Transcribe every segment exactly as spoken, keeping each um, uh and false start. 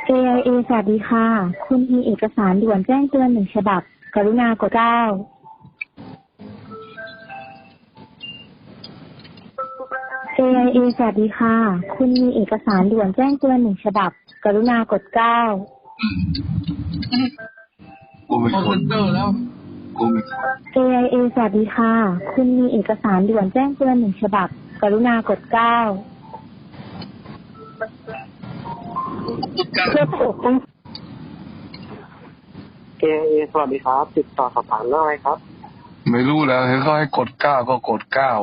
เอ ไอ เอ สวัสดีค่ะ คุณมีเอกสารด่วนแจ้งเตือนหนึ่งฉบับ กรุณากดเก้า เอ ไอ เอ สวัสดีค่ะ คุณมีเอกสารด่วนแจ้งเตือนหนึ่งฉบับ กรุณากดเก้ากูไม่คอลคเซ็นนเตอร์แล้วกูไม่คนเอ ไอ เอ สวัสดีค่ะ คุณมีเอกสารด่วนแจ้งเตือนหนึ่งฉบับ กรุณากดเก้า เพื่อปกป้องเอ เอ สวัสดีครับ ติดต่อสอบถามเรื่องอะไรครับไม่รู้แล้วเห็นเขาให้กดเก้าก็กดเก้า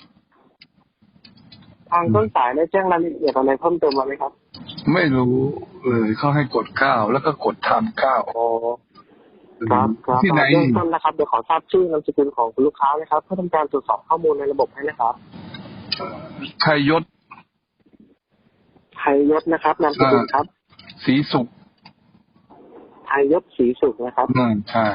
ทางต้นสายได้แจ้งรายละเอียดอะไรเพิ่มเติมมาไหมครับไม่รู้เลยเขาให้กดเก้าแล้วก็กดทำเก้าอ๋อครับครับที่ไหนเบื้องต้นนะครับเดี๋ยวขอทราบชื่อนามสกุลของคุณลูกค้านะครับเพื่อทำการตรวจสอบข้อมูลในระบบให้นะครับชัยยศไทยยศนะครับนามสกุลครับศรีสุขไทยยศศรีสุขนะครับนั่นใช่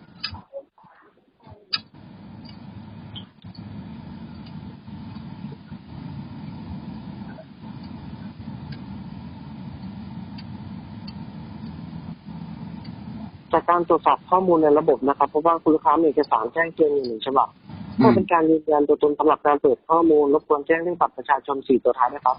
จากการตรวจสอบข้อมูลในระบบนะครับเพราะว่าคุณลูกค้ามีเอกสารแจ้งเตือนอยู่หนึ่งฉบับอืเพื่อมเป็นการยืนยันตัวตนสำหรับการเปิดข้อมูลรบกวนแจ้งเรื่องบัตรประชาชนสี่ตัวท้ายนะครับ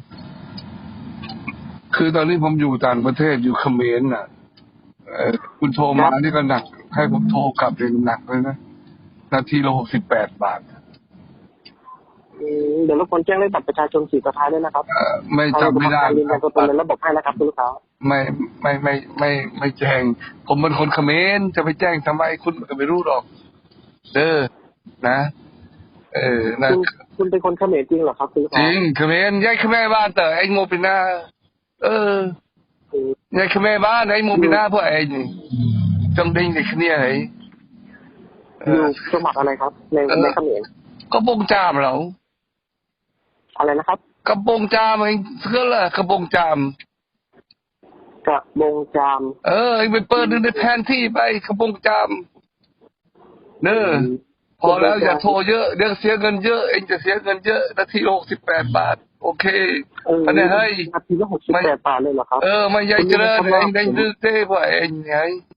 คือตอนนี้ผมอยู่ต่างประเทศอยู่เขมรน่ะเออคุณโทรมานี่ก็หนัก ให้ผมโทรกลับเลยหนักเลยนะนาทีละหกสิบแปดบาทอืมเดี๋ยวรบกวนแจ้งเรื่องบัตรประชาชนสี่ตัวท้ายด้วยนะครับเออไม่จำไม่ได้ทางเราจะทำการยืนยันตัวตนในระบบให้นะครับคุณลูกค้าไม่ไม่ไม่ไม่ไม่แจ้ง ผมเป็นคนเขมรจะไปแจ้งทำไมคุณก็ไม่รู้หรอกเด้อนะ เออนะคุณคุณเป็นคนเขมรจริงเหรอครับคุณลูกจค้าริงเขมรยายเขมรบ้านแต่ไอ้โมปินาเอออืมยายเขมรบ้านไอ้โมปินาพวกไอ้นี่จงดิ้งเด็กเนี่ยไอ้เออยู่อจังหวัดอะไรครับ ในในเขมรก็บงจามเราอะไรนะครับกระบงจามไอ้เสื้อละกระบงจามกระบงจามเออไอ้ไปเปิดดูในแผนที่ไปกระบงจามเนอพอแล้วอย่าโทรเยอะเดี๋ยวเสียเงินเยอะเองจะเสียเงินเยอะนาทีหกสิบแปดบาทโอเคเอออันนี้เฮ้ยนาทีละหกสิบแปดบาทเลยเหรอครับเออไม่ใหญ่เจริญเองได้ดื้อเต้พวกเองไง